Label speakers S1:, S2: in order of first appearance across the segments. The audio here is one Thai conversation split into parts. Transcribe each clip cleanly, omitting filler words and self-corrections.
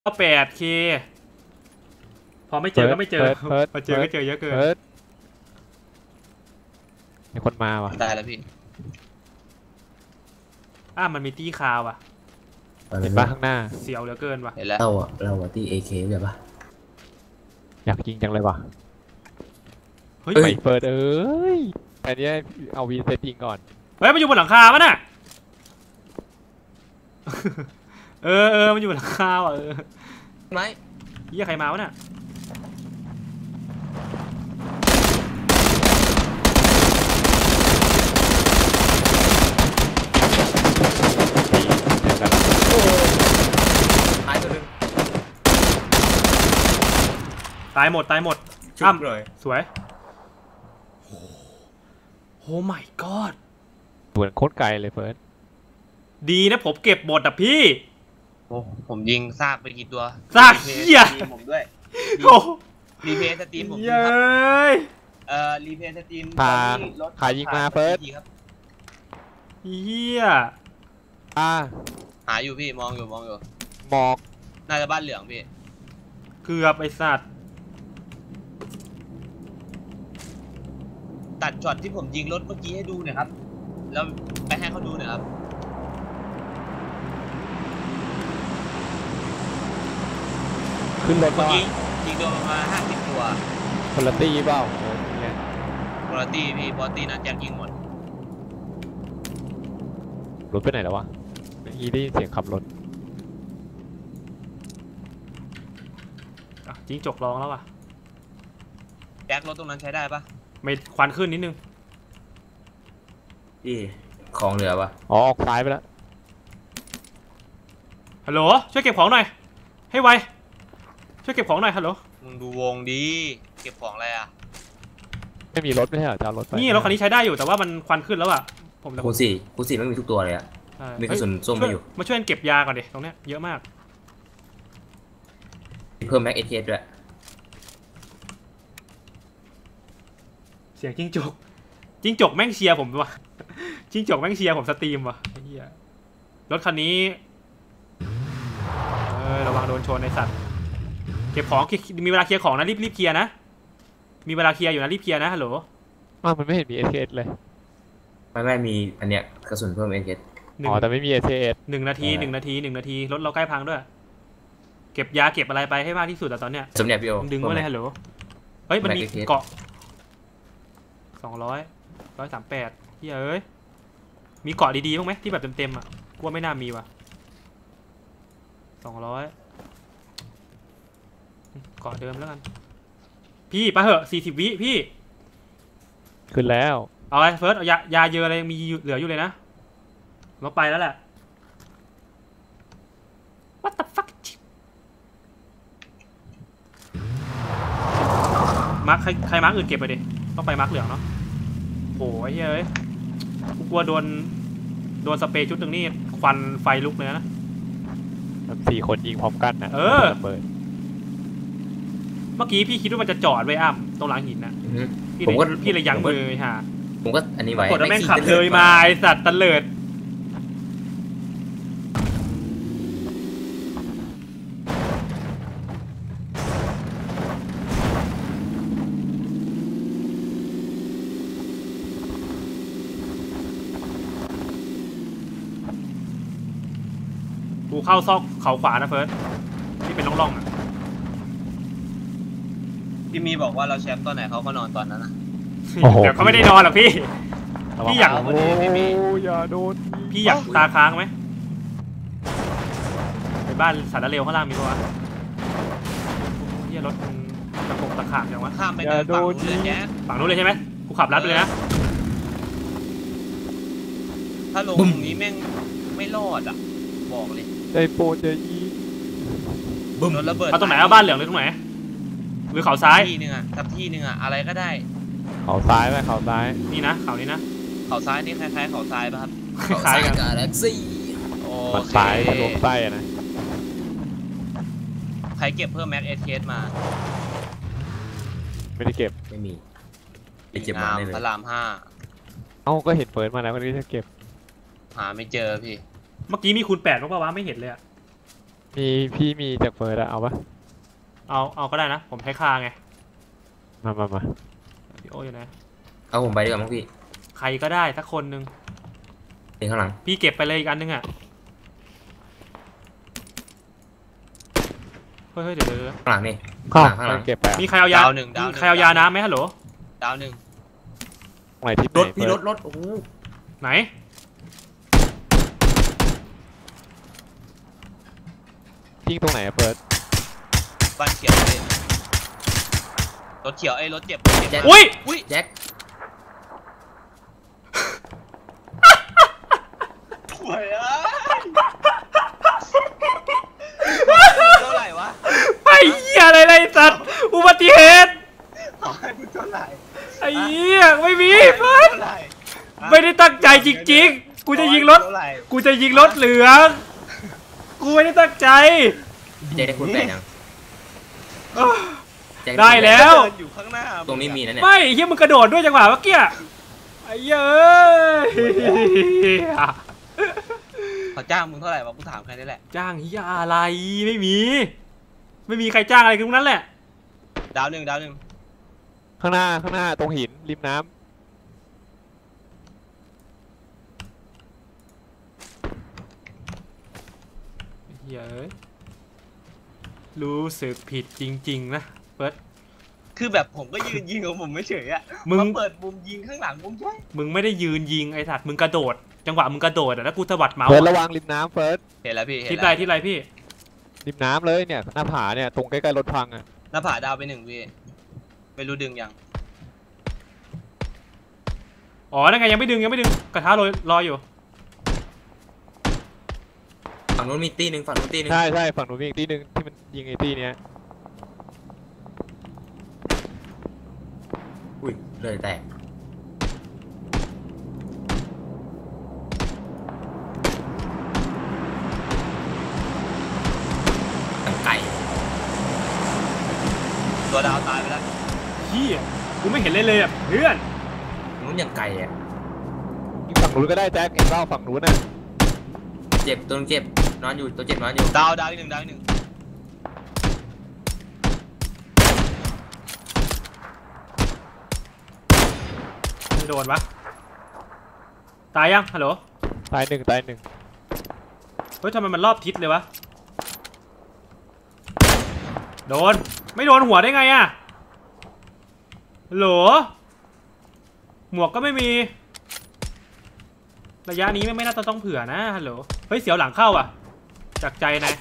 S1: 8K พอไม่เจอก็ไม่เจอพอเจอก็เจอเยอะเกิน
S2: มีคนมาว่ะ
S3: ได้แล้วพี่
S1: มันมีตี้คาวอ่ะ
S2: เห็นปะข้างหน้า
S1: เสียวเหลือเกินว่ะ
S3: เห็นแล้ว
S4: เราตี้ AK ใช่ปะ
S2: อยากยิงจังเลยว่ะ
S1: เฮ้ย
S2: เปิดอันนี้เอาวีเซตยิงก่อน
S1: เฮ้ยมันอยู่บนหลังคาปะน่ะมันอยู่บนหลังคาอ่ะ
S3: ไหม
S1: เหี้ยใครมาวะน่ะตายหมดเลยสวยโอ้ my god
S2: เหมือนโคตรไกลเลยเฟิร์ส
S1: ดีนะผมเก็บบทอ่ะพี่
S3: โอ้ผมยิงซากไปกี่ตัว
S1: ซากเหี้ย
S3: ผมด้วยรีเพย์สตรีมผม
S1: เย้ย
S3: รีเพย์สตรีม
S2: ขายิงมาเฟิร์ส
S1: เหี้ย
S3: หาอยู่พี่มองอยู่หมอกน่าจะบ้านเหลืองพี่
S1: เกือบไอสัตว์
S3: ตัดช็อตที่ผมยิงรถเมื่อกี้ให้ดูหน่อยครับแล้วไปให้เขาดูหน่อยครับ
S2: ขึ้นรถ
S3: เมื่อกี้ยิงโดนประมาณ50 ตัว
S2: คนละตีเปล่า
S3: คนละตีพี่บอสตีนั้นแจ็คยิงหมด
S2: รถไปไหนแล้ววะเมื่อกี้ได้ยินเสียงขับรถ
S1: จิ้งจกร้องแล้วว่ะ
S3: แจ็ครถตรงนั้นใช้ได้ปะ
S1: ไม่ควันขึ้นนิดนึง
S4: ของเหลือปะ
S2: ออกซ้ายไปแล้ว
S1: ฮัลโหลช่วยเก็บของหน่อยให้ไวช่วยเก็บของหน่อยฮัลโหล
S3: มึงดูวงดีเก็บของอะไรอ่ะ
S2: ไม่มีรถไม่ใช่เหรอจะเอารถไป
S1: นี่รถคันนี้ใช้ได้อยู่แต่ว่ามันควันขึ้นแล้วอ่ะผม
S4: คูณ4ไม่มีทุกตัวเลยอ่ะมีกระสุนส้มไม่อยู่
S1: มาช่วยเก็บยาก่อนดิตรงเนี้ยเยอะมาก
S4: เพิ่มแม็กเอทีเอสด้วย
S1: เสียงจิ้งจกแม่งเชียร์ผมว่ะจิ้งจกแม่งเชียร์ผมสตรีมว่ะไอ้เหี้ยรถคันนี้ระวังโดนชนในสัตว์เก็บของมีเวลาเคลียร์ของนะรีบเคลียร์นะมีเวลาเคลียร์อยู่นะรีบเคลียร์นะฮัลโหล
S2: มันไม่เห็นมี SKS เลย
S4: ไม่มีอันเนี้ยกระสุนเพิ่ม SKS
S2: แต่ไม่มี SKS
S1: 1 นาทีรถเราใกล้พังด้วยเก็บยาเก็บอะไรไปให้มากที่สุดแต่ตอนเนี้ย
S4: สมเด็จพี่โอ
S1: ดึงไว้เลยฮัลโหลเฮ้ยมันมีเกาะ138เฮ้ยมีเกาะดีๆบ้างไหมที่แบบเต็มอ่ะกลัวไม่น่ามีว่ะ200เกาะเดิมแล้วกันพี่ไปเหอะ40 วิพี่
S2: ขึ้นแล้ว
S1: เอาไอ้เฟิร์สเอายาเยอะอะไรยังมีเหลืออยู่เลยนะเราไปแล้วแหละ What the fuck มาร์คใครมาร์คอื่นเก็บไปดิต้องไปมาร์คเหลืองเนาะโหยเฮ้ยกูกลัวโดนสเปรย์ชุดหนึ่งนี่ควันไฟลุกเลยนะ
S2: 4 คนยิงพร้อมกันนะ
S1: เมื่อกี้พี่คิดว่ามันจะจอดไว้ตรงหลังหินนะพี่เลยยั้งมือฮะ
S4: ผมก็อันนี้ไว้
S1: กดแล้วแม่งขับเลยมาไอสัตว์ตะเลิดกูเข้าซอกเขาขวานะเฟิร์สที่เป็นร่องๆอ่ะ
S3: พี่มีบอกว่าเราแชมป์ตอนไหนเขาก็นอนตอนนั้นนะ
S1: เดี๋ยวเขาไม่ได้นอนหรอกพี่อยาก
S2: อย่าโดน
S1: พี่อยากตาค้างไหมไปบ้านสารเร็วข้างล่างมีปะวะที่รถตะโกตะขาบอย่างวะ
S3: ข้ามไปฝั่งนู้นเลยแจ๊
S1: ฝั่งนู้นเลยใช่ไหมกูขับลัดไปเลยนะ
S3: ถ้าลงตรงนี้แม่งไม่รอดอ่ะบอกเลย
S2: ใจโปรใจยี
S3: บึ้มระเบิด
S1: เอาตรงไหนเอาบ้านเหลืองเลยตรงไหนหรือเขาซ้าย
S3: ที่นึงอ่ะทับที่นึงอ่ะอะไรก็ได้
S2: เขาซ้ายไหมเขาซ้าย
S1: นี่นะเขานี้นะ
S3: เขาซ้ายนี่คล้ายๆเขาซ้ายป่ะครับ
S1: คล้ายกัน
S4: กาแล็กซี่
S2: มันซ้ายทะลุใต้นะ
S3: ใครเก็บเพิ่มแม็กเอสเคสมา
S2: ไม่ได้เก็บ
S4: ไม่มีไปเก็บมาได้เลย
S3: พระราม5
S2: ก็เห็นเฟิร์สมาแล้ววันนี้จะเก็บ
S3: หาไม่เจอพี่
S1: เมื่อกี้มีคูณ8มั้งป่าววะไม่เห็นเลยอะ
S2: พี่มีจากเฟิร์สอะเอาปะ
S1: เอาก็ได้นะ ผมใช้คาไง
S2: มา
S1: พี่โออยู่ไหน
S4: เอาผมไปดีกว่ามั้งพี่
S1: ใครก็ได้สักคนหนึ่ง
S4: เป็นข้างหลัง
S1: พี่เก็บไปเลยอีกอันนึงอ่ะเฮ้ยเดี๋ยว
S4: ข้างหลังนี่
S2: ข้าง
S4: ข้างหลัง
S2: เก็บไปอะ
S1: มีใครเอายา
S3: ดาวหนึ่ง
S1: มีใครเอายาน้ำไหมฮัลโหล
S3: ดาวหนึ่ง
S2: ตรงไหนที่
S4: รถพี่
S2: ไหน
S4: รถโอ้โห
S1: ไหน
S2: ทิ้งตรงไหนอะเฟิร์ส
S3: บ้านเขียวเลยรถเขียวรถเจ็บ
S1: อุ้ย
S3: อุ้ย
S4: แจ็ค
S3: ป่วยเท่าไหร่วะ
S1: ไอ้เหี้ยอะไรไรสัตว์อุบัติเหตุ
S3: ขอให้มึงเท่าไหร่
S1: ไอ้เหี้ยไม่มีเฟิร์ส
S3: เท่าไหร่
S1: ไม่ได้ตั้งใจจริงๆ กูจะยิงรถ
S3: เท่าไห
S1: กูจะยิงรถเหลืองกูไม่ได้ตั้งใจ
S4: แจ็คได้คุณแปดยังแจ็ค
S1: ได้แล้ว
S3: เดินอยู่ข้างหน้า
S4: ตรงนี้มีนะเนี่ย
S1: ไม่เหี้ยมึงกระโดดด้วยจังหวะเมื่อกี้ไอ้เหี้ยเอ้ย
S3: เขาจ้างมึงเท่าไหร่วะกูถามแค่นี้แหละ
S1: จ้างเหี้ยอะไรไม่มี ไม่มีใครจ้างอะไรทั้งนั้นแหละ
S3: ดาวหนึ่ง
S2: ข้างหน้าตรงหินริมน้ำ
S1: เหี้ยเอ้ยรู้สึกผิดจริงๆนะเฟิร์ส
S3: คือแบบผมก็ยืนยิงของผมไม่เฉยอะ
S1: มึง
S3: มาเปิดมุมยิงข้างหลังมุมใช่
S1: มึงไม่ได้ยืนยิงไอ้สัตว์มึงกระโดด จังหวะมึงกระโดดอะแล้วกูสะบัดเมาส์
S2: เฟิร์สระวังริมน้ำเฟิร์ส
S3: เห็นแล้วพี่เห็น
S1: ทิศ
S3: แล้
S1: ไร
S3: ว
S1: ทิศไรพี่
S2: ริมน้ำเลยเนี่ยหน้าผาเนี่ยตรงใกล้ๆรถพังอะ
S3: หน้าผาดาวไปหนึ่งพี่ไม่รู้ดึงยัง
S1: อ๋อนั่นไงยังไม่ดึงกระทะรออยู่
S4: ฝั่งนู้นมีตีหนึ่งฝั่งนู้นตีหนึ่ง
S2: ใช่ฝั่งนู้นมีอีกที่หนึ่งที่มันยิงไอ้ที่เนี้ย
S4: อุ้ยเลยแตกตั้งไก่
S3: ตัวดาวตายไปแล้ว
S1: เฮียกูไม่เห็นเลยอะเพื่อน
S4: นู้นยังไก่อะ
S2: ยิงฝั่งนู้นก็ได้แจ็คเห็นเปล่าฝั่งนู้นน่ะ
S4: เจ็บตัวนึงเจ็บนอนอยู่ตัวเจ็บนอนอยู่
S3: ดาวอีกหนึ่งดาวอีกหนึ่ง
S1: ไม่โดนปะตายยังฮัลโหล
S2: ตายหนึ่ง
S1: เฮ้ยทำไมมันรอบทิศเลยวะโดนไม่โดนหัวได้ไงอะฮัลโหลหมวกก็ไม่มีระยะนี้ไม่น่าจะต้องเผื่อนะฮัลโหลเฮ้ยเสียวหลังเข้าอ่ะจากใจนะ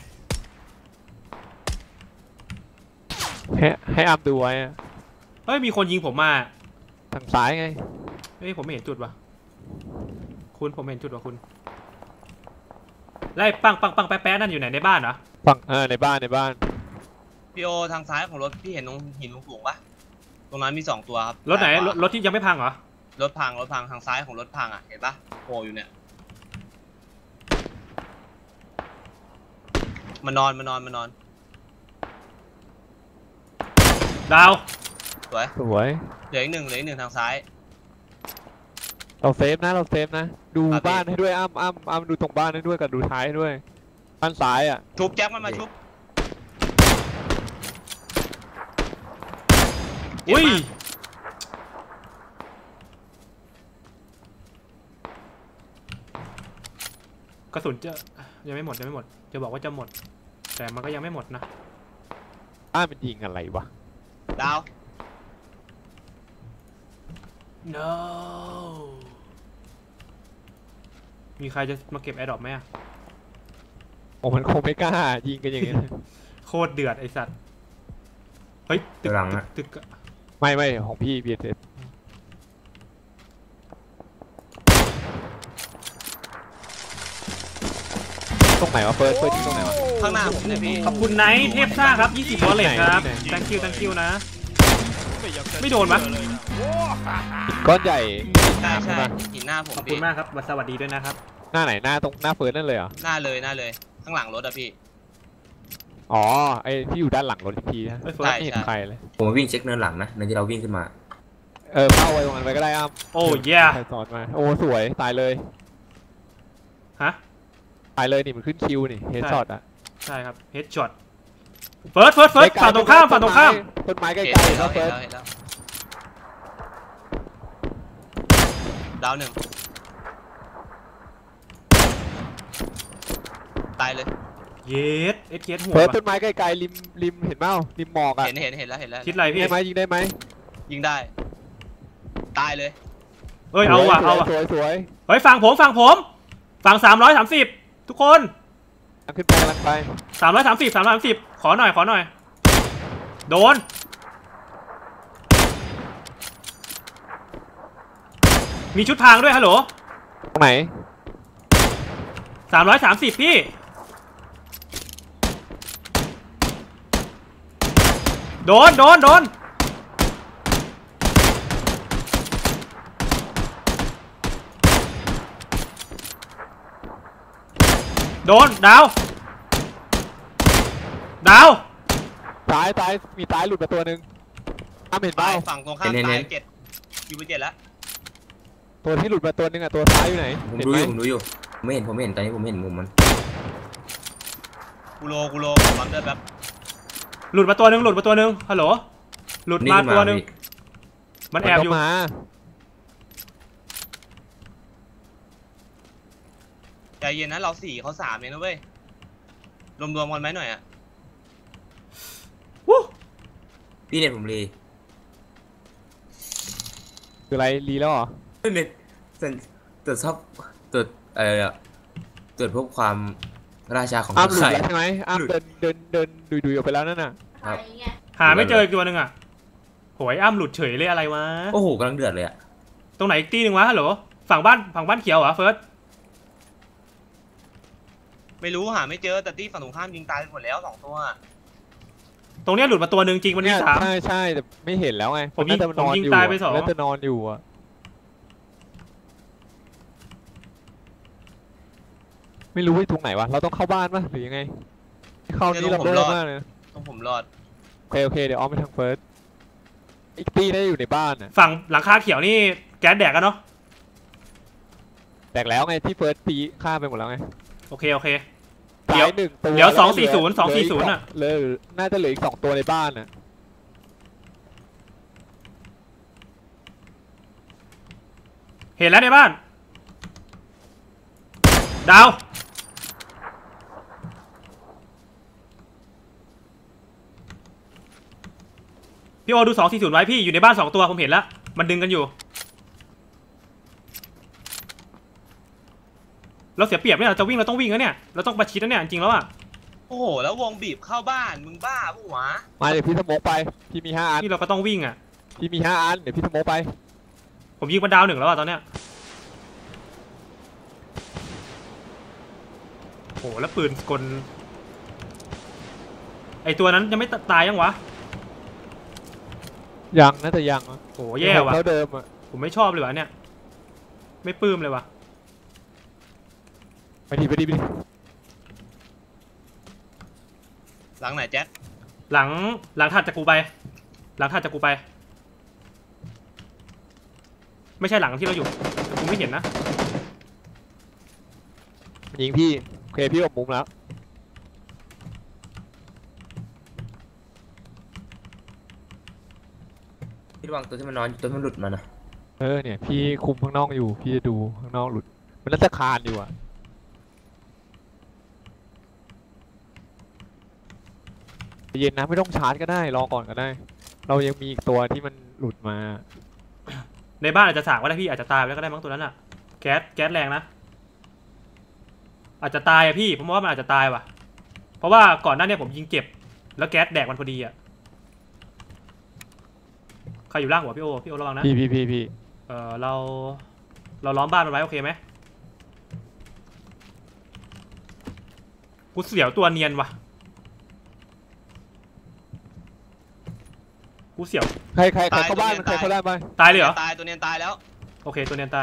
S2: ให้อัมดูไว้อะ
S1: เฮ้ยมีคนยิงผมมา
S2: ทางซ้ายไง
S1: เฮ้ยผมไม่เห็นจุดว่ะคุณผมเห็นจุดว่ะคุณไล่ปังแป๊ะนั่นอยู่ไหนในบ้านเหรอ
S2: ฝั่งในบ้าน
S3: พี่โอทางซ้ายของรถพี่เห็นตรงหินสูงๆปะตรงนั้นมี2ตัวครับ
S1: รถไหน
S3: ซ้ายขวาร
S1: ถที่ยังไม่พังเหรอ
S3: รถพังทางซ้ายของรถพังอ่ะเห็นปะโผล่อยู่เนี่ยมานอน
S1: ดาว
S3: สวย
S2: สวย
S3: เหลืออีกหนึ่งทางซ้าย
S2: เราเซฟนะดู
S3: ครับ
S2: บ้านให้ด้วยอ้ำดูตรงบ้านให้ด้วยกับดูท้ายให้ด้วยบ้านซ้ายอ่ะ
S3: ชุบแจ็คมันมาชุบ
S1: อุ้ยกระสุนจะยังไม่หมดจะบอกว่าจะหมด แต่มันก็ยังไม่หมดนะ
S2: บ้านมันยิงอะไรวะ
S3: ดาว
S1: no มีใครจะมาเก็บแอร์ดรอปไหมอะ
S2: โอ้มันคงไม่กล้ายิงกันอย่างเงี้ย
S1: โคตรเดือดไอสัตว์เฮ้ย
S4: ตัวหลังอะ
S1: ตึก
S2: ไม่ของพี่เบียร์เซฟตรงไหนวะเฟิร์สยิงตรงไหนวะ
S3: ข้างหน้าผมเนี่ยพี่
S1: ขอบคุณไนท์เทพซ่าครับ20วอลเล็ตครับ thank you นะ ไม่โดนปะ
S2: ก้อนใหญ่
S3: ใช่
S2: ใช่ปะ
S3: หินหน้าผม
S1: ขอบคุ
S3: พี่
S1: ณมากครับสวัสดีด้วยนะครับ
S2: หน้าไหนหน้าตรงหน้าเฟิร์สนั่นเลยเหรอ
S3: หน้าเลยข้างหลังรถอะพี่
S2: อ๋อไอที่อยู่ด้านหลังรถอีกทีนะ
S1: เฮ้ย
S3: ใช่
S2: ไม่เห็นใครเลย
S4: ผมมาวิ่งเช็คเนินหลังนะเนินที่เราวิ่งขึ้นมา
S2: เข้าไว้ตรงนั้นไปก็ได้อ้ำ
S1: โอ้ย
S2: ใครสอนมาโอ้สวยตายเลย
S1: ฮะ
S2: ตายเลยนี่มันขึ้นคิวนี่เฮดช็อตอ่ะ
S1: ใช่ครับเฮดช็อตเฟิร์สฝั่งตรงข้าม
S2: ต้นไม้ใกล้
S3: เห็น
S2: ๆ
S3: แล้
S2: แล้ว ว
S3: เห็
S2: เฟิ
S3: น
S2: ร์ส
S3: แล้วเห็นแล้วดาวหนึ่งตายเลย
S1: เยสเอสเหัว
S2: เฟิร์ส
S1: ว่ะ
S2: ต้นไม้ไกลๆริมเห็นเปล่าริมหมอกอ่ะ
S3: เห็นแล้ว
S1: คิดอะไรพี่
S2: ได้ไหมยิงได้ไหม
S3: ยิงได้ตายเลย
S1: เอ้ยเอาว่ะ
S2: สวย
S1: เฮ้ยฝั่งผมฝั่ง330ทุกคน
S2: ขึ้นไปกำลังไป
S1: 330ขอหน่อยโดนมีชุดพรางด้วยฮัลโหล
S2: ตรงไหน
S1: 330พี่โดนโดนดาว
S2: ซ้ายมีซ้ายหลุดมาตัวหนึ่งเห็นเป
S3: ตา
S2: ล่าย
S3: ฝั่งตรงข้ามตาย7อยู่ไป7แล้ว
S2: ตัวที่หลุดมาตัวหนึ่งอ่ะตัวซ้ายอยู่ไหน
S4: ผมดูอยู่ผมไม่เห็นตอนนี้ผมไม่เห็นมุมมัน
S3: กูโลปั๊มเลือดแป๊บ
S1: หลุดมาตัวหนึ่งฮัลโหลหลุดมาตัวหนึ่งมันแอบอยู่
S3: ใจเย็นนะเรา4เขา3เองนะเว้ยรวมกันไหมหน่อยอ่ะ
S4: พี่เน็ตผมรี
S2: คืออะไรรีแล้วเหรอ
S4: เน็ตตรวจสอบตรวจตรวจพบความราชาของ
S2: หลุด
S4: ไข่
S2: แล้วใช่ไหมเดินดุยออกไปแล้วนั่นน่ะ
S4: ครับ
S1: หาไม่เจออีกตัวหนึ่งอ่ะโหยอ้ำหลุดเฉยเลยอะไรวะ
S4: โอ้โหกำลังเดือดเลยอะ
S1: ตรงไหนอีกตีหนึ่งวะฮัลโหลฝั่งบ้านเขียวเหรอเฟิร์ส
S3: ไม่รู้หาไม่เจอแต่ที่ฝั่งตรงข้ามยิงตายไปหมดแล้ว2ตัว
S1: ตรงเนี้ยหลุดมาตัวหนึ่งจริงมันมี3
S2: ใช่แต่ไม่เห็นแล้วไง
S1: ผมยิงตายไป2
S2: น่าจะนอนอยู่อ่ะไม่รู้ว่าตรงไหนวะเราต้องเข้าบ้านป่ะหรือยังไงเข้านี้เราเริ่มมากเลย
S3: ต้องผมรอด
S2: โอเคเดี๋ยวออมไปทางเฟิร์สอีกตีได้อยู่ในบ้านอ่ะ
S1: ฝั่งหลังคาเขียวนี่แก๊สแดกกันเนาะ
S2: แตกแล้วไงที่เฟิร์สตีฆ่าไปหมดแล้วไง
S1: โอเคเดี๋ยว
S2: 1ตัว
S1: เดี๋ยว240อ่ะ
S2: เลยน่าจะเหลืออีก2ตัวในบ้านอ่ะ
S1: เห็นแล้วในบ้านดาวพี่โอดู240ไว้พี่อยู่ในบ้าน2ตัวผมเห็นแล้วมันดึงกันอยู่เราเสียเปรียบเนี่ยเราจะวิ่งเราต้องวิ่งแล้วเนี่ยเราต้องประชิดแล้วเนี่ยจริงแล้วอ่ะ
S3: โอ้โหแล้ววงบีบเข้าบ้านมึงบ้าปะวะ
S2: มาเดี๋ยวพี่สโมกไปพี่มี5 อัน
S1: นี่เราก็ต้องวิ่งอ่ะ
S2: พี่มี5 อันเดี๋ยวพี่สโมกไป
S1: ผมยิงมันดาว1แล้วอ่ะตอนเนี้ยโหแล้วปืนกลไอตัวนั้นยังไม่ตายยังวะ
S2: ยังน่าจะยัง
S1: โหแย่ว่ะ
S2: เท่าเดิมอ่ะ
S1: ผมไม่ชอบเลยวะเนี่ยไม่ปลื้มเลยวะ
S2: ไปดิ
S3: หลังไหนแจ๊ค
S1: หลังถัดจากกูไปไม่ใช่หลังที่เราอยู่แต่กูไม่เห็นนะ
S2: ยิงพี่โอเคพี่ออกมุมแล้ว
S4: พี่ระวังตัวที่มันนอนตัวที่มันหลุดมานะ
S2: เนี่ยพี่คุมข้างนอกอยู่พี่จะดูข้างนอกหลุดมันน่าจะคานอยู่อ่ะเย็นนะไม่ต้องชาร์จก็ได้รอก่อนก็ได้เรายังมีอีกตัวที่มันหลุดมา
S1: ในบ้านอาจจะสากก็ได้พี่อาจจะตายไปแล้วก็ได้มั้งตัวนั้นอะแก๊สแรงนะอาจจะตายอะพี่ผมว่ามันอาจจะตายว่ะเพราะว่าก่อนหน้านี้ผมยิงเจ็บแล้วแก๊สแดกมันพอดีอะใครอยู่ล่างหัวพี่โอระวังนะ
S2: พี่
S1: เราล้อมบ้านมันไว้โอเคไหมกูเสียวตัวเนียนว่ะกูเสียว
S2: ใครเข้าบ้านใครเข้าบ้านไป
S1: ตายเลยเหรอ
S3: ตายตัวเนียนตายแล้ว
S1: โอเคตัวเนียนตาย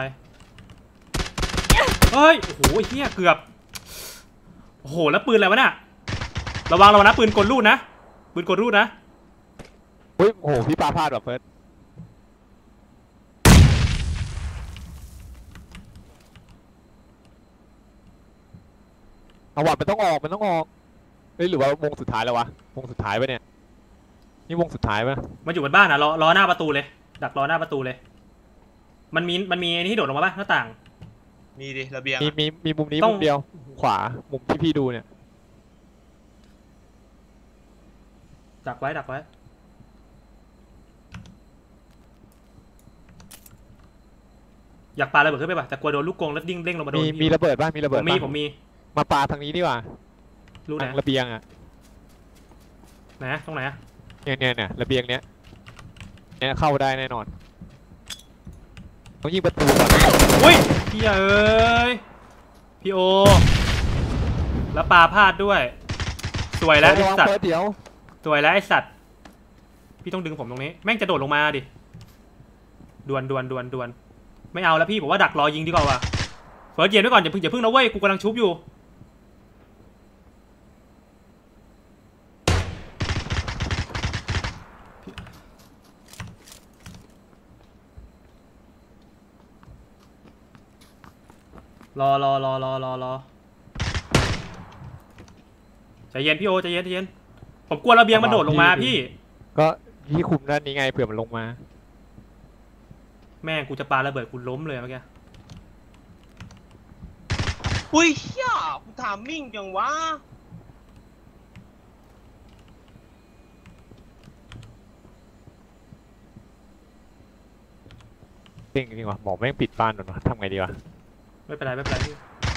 S1: เฮ้ยโอ้โหเฮียเกือบโอ้โหแล้วปืนอะไรวะเนี่ยระวังนะปืนกลรูดนะ
S2: เฮ้ยโอ้โหพี่ปาพลาดแบบเฟิร์สเอาวัดมันต้องออกเฮ้ยหรือว่าวงสุดท้ายแล้ววะวงสุดท้ายปะเนี่ยนี่วงสุดท้ายปะ
S1: มันอยู่บนบ้านอะรอหน้าประตูเลย ดักรอหน้าประตูเลย มันมีไอ้นี่ที่โดดลงมาปะหน้าต่าง
S3: มีดิระเบียง
S2: มีมุมนี้
S1: ต้อง
S2: มุมเดียวขวามุมที่พี่ดูเนี่ย
S1: ดักไว้ดักไว้ อยากปาระเบิดขึ้นไปป่ะแต่กลัวโดนลูกกรงแล้วดิ้งเด้งลงมาโดน
S2: มีระเบิดป่ะมีระ
S1: ผ
S2: เบิด
S1: มมี
S2: ป่ะ
S1: ผมมี
S2: มาปาทางนี้ดีกว่า
S1: รู้ไหน
S2: ทางระเบียงอ่ะ
S1: ไหนตรงไหนอะ
S2: เนี่ยระเบียงเนี้ยเข้าได้แน่นอนต้องยิงประตูก่อน
S1: อุ้ยพี่เอ้ยพี่โอแล้วปาพลาดด้วยสวยแล้วไอ้สัตว์
S2: เดี๋ยว
S1: สวยแล้วไอ้สัตว์พี่ต้องดึงผมตรงนี้แม่งจะโดดลงมาดิดวนไม่เอาแล้วพี่ผมว่าดักรอยิงดีกว่าว่ะเฟิร์สเย็นไว้ก่อนอย่าเพิ่งนะเว้ยกูกำลังชุบอยู่รอใจเย็นพี่โอใจเย็นผมกลัวระเบียงมันโดดลงมาพี่
S2: ก็พี่คุมด้านนี้ไงเผื่อมันลงมา
S1: แม่งกูจะปาระเบิดกูล้มเลยเมื่อกี้
S3: อุ้ยเฮียกูถามมิ่งจังวะ
S2: จริงว่ะหมอแม่งปิดบ้านหน่อยทำไงดีวะ
S1: ไม่เป็นไรพี่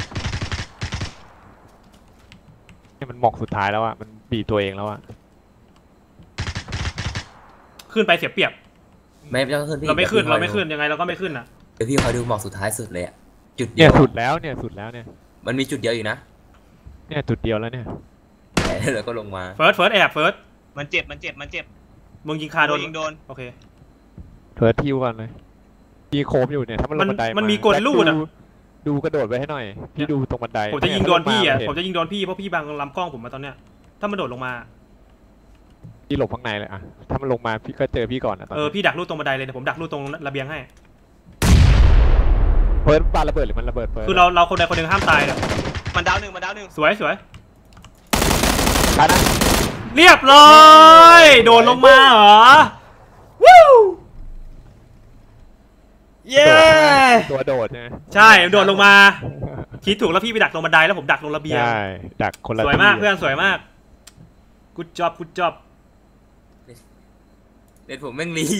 S2: เนี่ยมันหมอกสุดท้ายแล้วอ่ะมันบีบตัวเองแล้วอ่ะ
S1: ขึ้นไปเสียเปรียบ
S4: ไม่ต้องขึ้นพี่
S1: เราไม่ขึ้นยังไงเราก็ไม่ขึ้นอ่ะ
S4: เดี๋ยวพี่คอยดูหมอกสุดท้ายสุดเลยอะจุดเดี
S2: เนี่ย
S4: วย
S2: สุดแล้วเนี่ย
S4: มันมีจุดเดียวอยู่นะ
S2: เนี่ยจุดเดียวแล้วเนี่ย
S4: แล้วก็ลงมา
S1: เฟิร์สแอบเฟิร์ส
S3: มันเจ็บ
S1: มึงยิงคาโดน
S3: ยิงโดน
S1: โอเค
S2: เพิร์ททิวก่อนเลยพี่โคมอยู่เนี่ยถ้ามันลงบันได
S1: มันมีกลลูดอะ
S2: ดูกระโดดไว้ให้หน่อยพี่ดูตรงบันได
S1: ผมจะยิงโดนพี่อ่ะ
S2: เย
S1: ผมจะยิงโดนพี่เพราะพี่บังลำกล้องผมมาตอนเนี้ยถ้ามันโดดลงมา
S2: พี่หลบข้างในเลยอ่ะถ้ามันลงมาพี่ก็เจอพี่ก่อนนะตอนนี้
S1: พี่ดักลูกตรงบันไดเลยเดี๋ยวผมดักลูกตรงระเบียงให้
S2: เพิร์ทปาระเบิดหรือมันระเบิดเพิร์ท
S1: คือเราคนใดคนหนึ่งห้ามตายเลย
S3: มันดาวหนึ่ง
S1: สวย
S2: ตายนะ
S1: เรียบร้อยโดดลงมาเหรอวู้เย้
S2: ตัวโดดใช่ไหม
S1: ใช่โดดลงมาคิดถูกแล้วพี่ไปดักลงบันไดแล้วผมดักลงระเบียง
S2: ใช่ดักคนละ
S1: สวยมาก
S2: ที่
S1: เพื่อนสวยมากกูดจ็อบ
S4: เด็ดผมแม่งรี